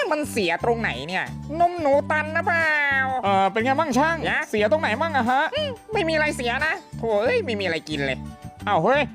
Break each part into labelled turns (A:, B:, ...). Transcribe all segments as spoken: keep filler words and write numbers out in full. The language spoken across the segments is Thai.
A: มันเสียตรงไหนเนี่ยนมหนูตันนะเปล่าเออเป็นไงบ้างช่างเสียตรงไหนบ้างอะฮะไม่มีอะไรเสียนะโถ่เอ้ยไม่มีอะไรกินเลยอ้าวเฮ้ย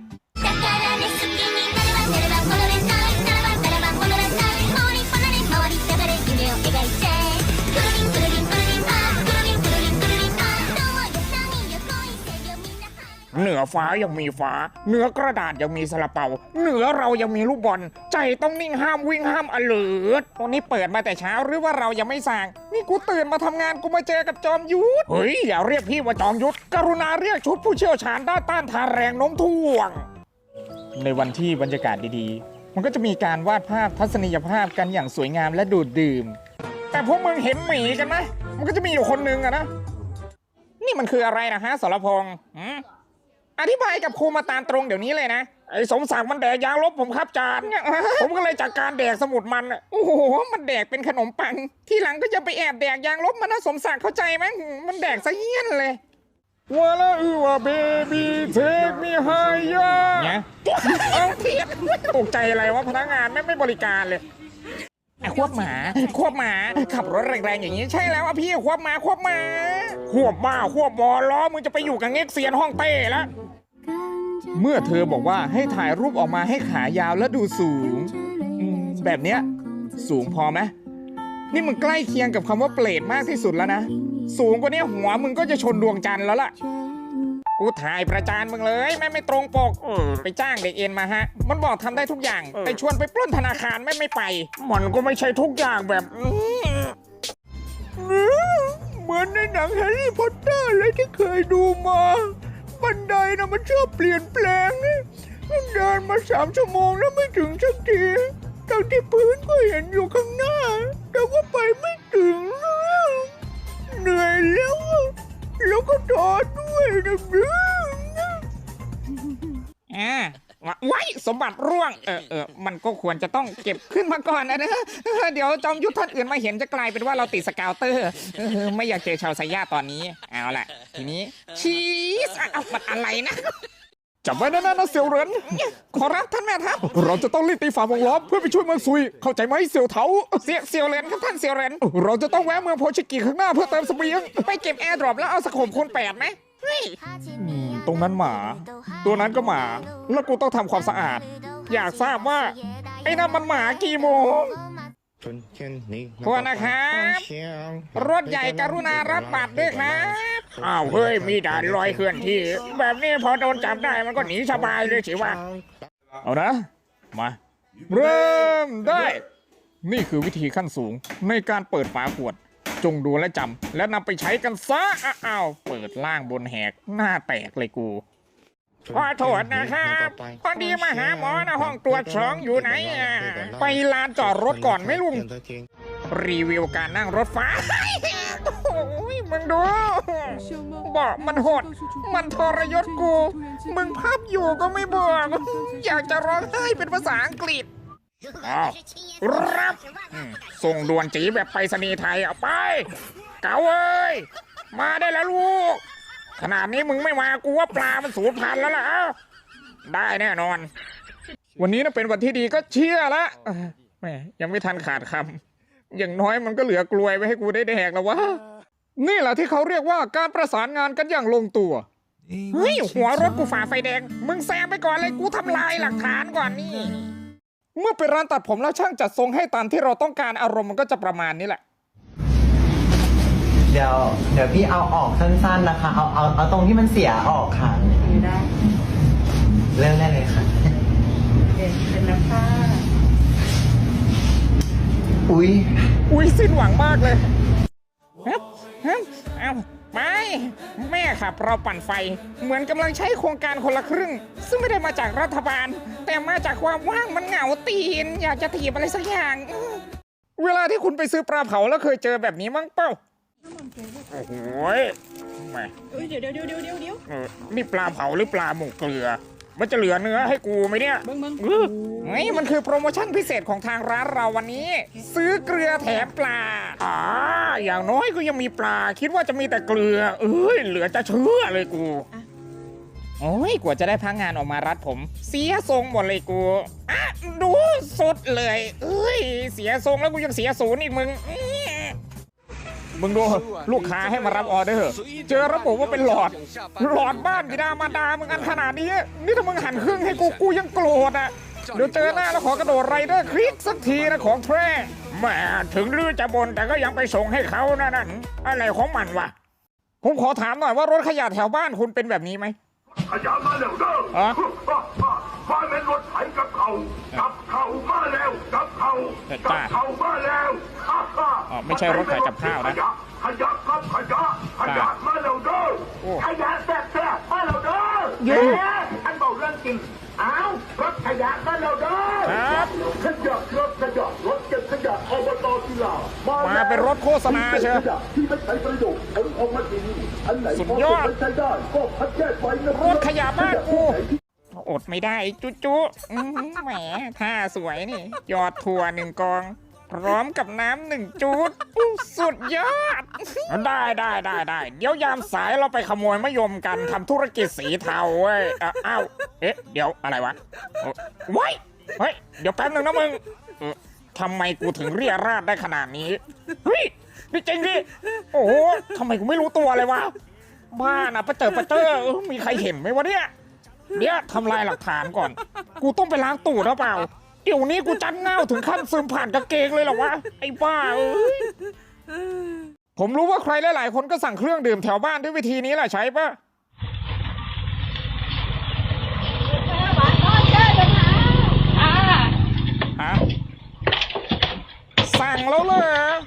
A: เหนือฟ้ายังมีฟ้าเหนือกระดาษยังมีซาลาเปาเหนือเรายังมีลูกบอลใจต้องนิ่งห้ามวิ่งห้ามอเลิดวันนี้เปิดมาแต่เช้าหรือว่าเรายังไม่สั่งนี่กูตื่นมาทำงานกูมาเจอกับจอมยุทธเฮ้ยอย่าเรียกพี่ว่าจอมยุทธกรุณาเรียกชุดผู้เชี่ยวชาญด้านต้านทานแรงโน้มถ่วงในวันที่บรรยากาศดีๆมันก็จะมีการวาดภาพทัศนียภาพกันอย่างสวยงามและดูดดื่มแต่พวกมึงเห็นหมีกันไหมมันก็จะมีอยู่คนนึงอะนะนี่มันคืออะไรนะฮะสรพงษ์อธิบายกับครูมาตามตรงเดี๋ยวนี้เลยนะไอ้สมศักดิ์มันแดกยางลบผมครับจานผมก็เลยจัดการแดกสมุดมันโอ้โหมันแดกเป็นขนมปังที่หลังก็จะไปแอบแดกยางลบมันนะสมศักดิ์เข้าใจไหมมันแดกซะเยี่ยนเลยว่าละอือว่าเบบี้เทคมีไฮยาเนี่ยเอาเทียบตกใจอะไรวะพนักงานไม่ไม่บริการเลยควบหมาควบหมาขับรถแรงๆอย่างนี้ใช่แล้วอ่ะพี่ควบหมาควบหมาควบบ้าควบบอล้อมึงจะไปอยู่กับเง็กเซียนห้องเต้แล้วเมื่อเธอบอกว่าให้ถ่ายรูปออกมาให้ขายาวและดูสูงแบบเนี้ยสูงพอไหมนี่มึงใกล้เคียงกับคำว่าเปรตมากที่สุดแล้วนะสูงกว่านี้หัวมึงก็จะชนดวงจันทร์แล้วล่ะกูถ่ายประจานมึงเลยแม่ไม่ตรงปกไปจ้างเด็กเอ็นมาฮะมันบอกทำได้ทุกอย่างไปชวนไปปล้นธนาคารไม่ไม่ไปมันก็ไม่ใช่ทุกอย่างแบบเหมือนในหนังแฮร์รี่พอตเตอร์เลยที่เคยดูมาบันไดนะมันชอบเปลี่ยนแปลงนี่เดินมาสามชั่วโมงแล้วไม่ถึงสักทีทั้งที่พื้นก็เห็นอยู่ข้างหน้าแต่ว่าไปไม่ถึงเหนื่อยแล้วแล้วก็ท้อด้วยนะเพื่อนอ่าไว้สมบัติร่วงเออเออมันก็ควรจะต้องเก็บขึ้นมาก่อนนะเดี๋ยวจอมยุทธท่านอื่นมาเห็นจะกลายเป็นว่าเราติดสกาวเตอร์ไม่อยากเจอชาวไซย่าตอนนี้เอาล่ะทีนี้ชีสเอามันอะไรนะจับไว้นะนะเสี่ยวเหรินขอรับท่านแม่ทัพเราจะต้องรีบตีฝ่าวงล้อมเพื่อไปช่วยเมืองซุยเข้าใจไหมเสี่ยวเถาเสี่ยวเสี่ยวเหรินครับท่านเสี่ยวเหรินเราจะต้องแวะเมืองโพชิกิข้างหน้าเพื่อเติมเสบียงไปเก็บแอร์ดรอปแล้วเอาสโคปคูณแปดไหมตรงนั้นหมาตัวนั้นก็หมาแล้วกูต้องทำความสะอาดอยากทราบว่าไอ้นั่นมันหมากี่โมงพวกนะครับรถใหญ่กรุณารับบัตรด้วยครับอ้าวเฮ้ยมีด่านลอยเคลื่อนที่แบบนี้พอโดนจับได้มันก็หนีสบายเลยสิวะเอานะมาเริ่มได้นี่คือวิธีขั้นสูงในการเปิดฝาขวดจงดูและจำและนำไปใช้กันซะอ้าวเปิดล่างบนแหกหน้าแตกเลยกูขอโทษนะครับพอดีมาหาหมอนะห้องตรวจสองอยู่ไหนไปลานจอดรถก่อนไหมลุงรีวิวการนั่งรถไฟโอ้ยมึงดูบอกมันโหดมันทรยศกูมึงพับอยู่ก็ไม่บอกอยากจะร้องไห้เป็นภาษาอังกฤษอ้าวรับส่งด่วนจีแบบไปรษณีย์ไทยเอาไปเก๋าเอ้ยมาได้แล้วลูกขนาดนี้มึงไม่มากูว่าปลามันสูญพันธุ์แล้วล่ะได้แน่นอนวันนี้นะเป็นวันที่ดีก็เชื่อละแม่ยังไม่ทันขาดคำอย่างน้อยมันก็เหลือกลวยไว้ให้กูได้แดกแล้ววะนี่แหละที่เขาเรียกว่าการประสานงานกันอย่างลงตัวเฮ้ยหัวรถกูฝ่าไฟแดงมึงแซงไปก่อนเลยกูทำลายหลักฐานก่อนนี่เมื่อไปร้านตัดผมแล้วช่างจัดทรงให้ตามที่เราต้องการอารมณ์มันก็จะประมาณนี้แหละ
B: เดี๋ยวเดี๋ยวพี่เอาออกสั้นๆนะคะเอาเอาเอาตรงที่มันเสียออกค่ะได้เริ่มได้เลยค่ะเป็นเป็นน้ำผ้าอุ้ย
A: อุ้ยสิ้นหวังมากเลยฮึบฮึบเอาไปแม่ขับเราปั่นไฟเหมือนกำลังใช้โครงการคนละครึ่งซึ่งไม่ได้มาจากรัฐบาลแต่มาจากความว่างมันเหงาตีนอยากจะถีบอะไรสักอย่างเวลาที่คุณไปซื้อปลาเผาแล้วเคยเจอแบบนี้มั้งเป้าโอ้โหแม่เดี๋ยวเดี๋ยวเดี๋ยวเดี๋ยวเดี๋ยวนี่ปลาเผาหรือปลาหมกเกลือมันจะเหลือเนื้อให้กูไหมเนี่ยมึงมึงไงมันคือโปรโมชั่นพิเศษของทางร้านเราวันนี้ซื้อเกลือแถมปลาอ่าอย่างน้อยก็ยังมีปลาคิดว่าจะมีแต่เกลือเอ้ยเหลือจะเชื่อเลยกูโอ้ยกว่าจะได้พักงานออกมารัดผม เสียทรงหมดเลยกูอ่ะดูสุดเลยเอ้ยเสียทรงแล้วกูยังเสียศูนย์อีกมึงมึงดูลูกค้าให้มารับออเดอร์เจอระบบว่าเป็นหลอดหลอดบ้านบิดามารดามึงอันขนาดนี้นี่ถ้ามึงหันครึ่งให้กูกูยังโกรธอ่ะเดี๋ยวเจอหน้าแล้วขอกระโดดไรเดอร์คลิกสักทีนะของแท้แหมถึงลือจะบนแต่ก็ยังไปส่งให้เขานะนั่นอะไรของมันวะผมขอถามหน่อยว่ารถขยะแถวบ้านคุณเป็นแบบนี้ไหม
C: ขยะมาแล้วเด้อมาเป็นรถไถกับเขากับเขามาแล้วกับเขากับเขามาแล้ว
A: อ๋อไม่ใช่รถขายกับข้าวนะ
C: ขยะครับขยะขยะมาแล้วเด้อขยะแซ่บแซ่บมาแล้วเด้อเย้ท่านบอกเรื่องจริงอ้าวรถขยะมาแล้วเด้อ
A: ครับ
C: ขยะรถขยะรถเก็บขยะอบต.กีฬา
A: มาเป็นรถโฆษณาเชียว
C: ที่ไม่ใช้ประโยชน์ผลออกมาดีอันไหน
A: สุดยอด
C: ก็คัดแยกไว้นะ
A: รถขยะบ้านกูอดไม่ได้จุ๊จุ๊แหมท่าสวยนี่ยอดถั่วหนึ่งกองพร้อมกับน้ำหนึ่งจุดสุดยอดได้ได้ได้ได้เดี๋ยวยามสายเราไปขโมยมะยมกันทำธุรกิจสีเทาเว้ยอ้าวเอ๊ะเดี๋ยวอะไรวะว้ายเฮ้ยเดี๋ยวแป๊บนึงนะมึงทำไมกูถึงเรียราดได้ขนาดนี้เฮ้ยนี่จริงดิโอ้โหทำไมกูไม่รู้ตัวเลยวะบ้านะประเจิดประเจอมีใครเห็นไหมวะเนี่ยเดี๋ยวทำลายหลักฐานก่อนกูต้องไปล้างตูดหรือเปล่าเดี๋ยวนี้กูจันเง่าถึงขั้นซึมผ่านกางเกงเลยเหรอวะไอ้บ้าเอ้ยผมรู้ว่าใครหลายๆคนก็สั่งเครื่องดื่มแถวบ้านด้วยวิธีนี้แหละใช่ปะฮะสั่งแล้วเลย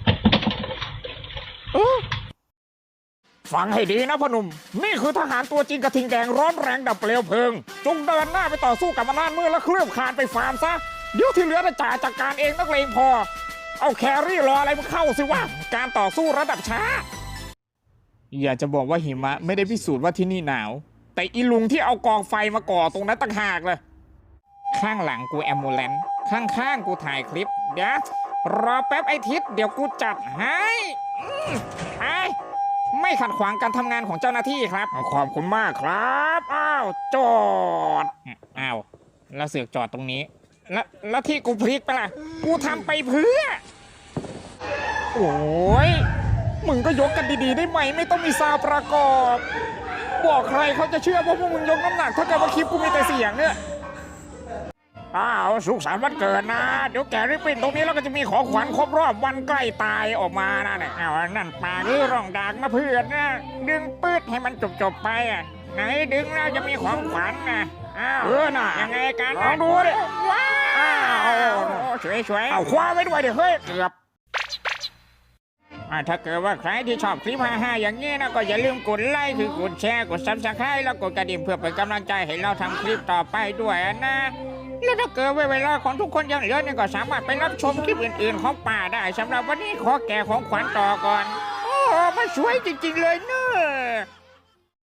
A: เออฟังให้ดีนะพ่อหนุ่มนี่คือทหารตัวจริงกระทิงแดงร้อนแรงดับเปลวเพลิงจงเดินหน้าไปต่อสู้กับอำนาจมืดและเคลื่อนคานไปฟาร์มซะเดี๋ยวที่เหลือจะจ่าจัดการเองนักเลงพอเอาแครี่รออะไรมาเข้าสิวะการต่อสู้ระดับช้าอยากจะบอกว่าหิมะไม่ได้พิสูจน์ว่าที่นี่หนาวแต่อีลุงที่เอากองไฟมาก่อตรงนั้นต่างหากเลยข้างหลังกูแอมบูเลนซ์ข้างๆกูถ่ายคลิปเดี๋ยวรอแป๊บไอทิศเดี๋ยวกูจัดให้ไอไม่ขัดขวางการทำงานของเจ้าหน้าที่ครับขอบคุณมากครับอ้าวจอดอ้าวแล้วเสือกจอดตรงนี้แล้วแล้วที่กูพลิกไปล่ะกูทำไปเพื่อโอ้ยมึงก็ยกกันดีๆได้ไหมไม่ต้องมีซาวประกอบบอกใครเขาจะเชื่อว่าพวกมึงยกน้ำหนักถ้าเกิดว่าคลิปกูมีแต่เสียงเนี่ยอ้าวสุขสันต์วันเกิดนะเดี๋ยวแกริบบิ้นตรงนี้แล้วก็จะมีของขวัญครบรอบวันใกล้ตายออกมานะเนี่ยอ้าวนั่นปากหรือร่องดากมาเพื่อนนะดึงปื๊ดให้มันจบๆไปอ่ะไหนดึงแล้วจะมีของขวัญนะอ้าวเออน่ะยังไงกันลองดูดิว้าวสวยๆเอาคว้าไว้ด้วยเดี๋ยวเฮ้ยเกือบถ้าเกิดว่าใครที่ชอบคลิปฮาๆอย่างนี้นะก็อย่าลืมกดไลค์คือกดแชร์กดซับสไครต์แล้วกดกระดิ่งเพื่อเป็นกำลังใจให้เราทำคลิปต่อไปด้วยนะแล้วถ้าเกิดเวลาของทุกคนยังเหลือเนี่ยก็สามารถไปรับชมคลิปอื่นๆของป่าได้สำหรับวันนี้ขอแก่ของขวัญต่อก่อนโอ้มันสวยจริงๆเลยเนอะ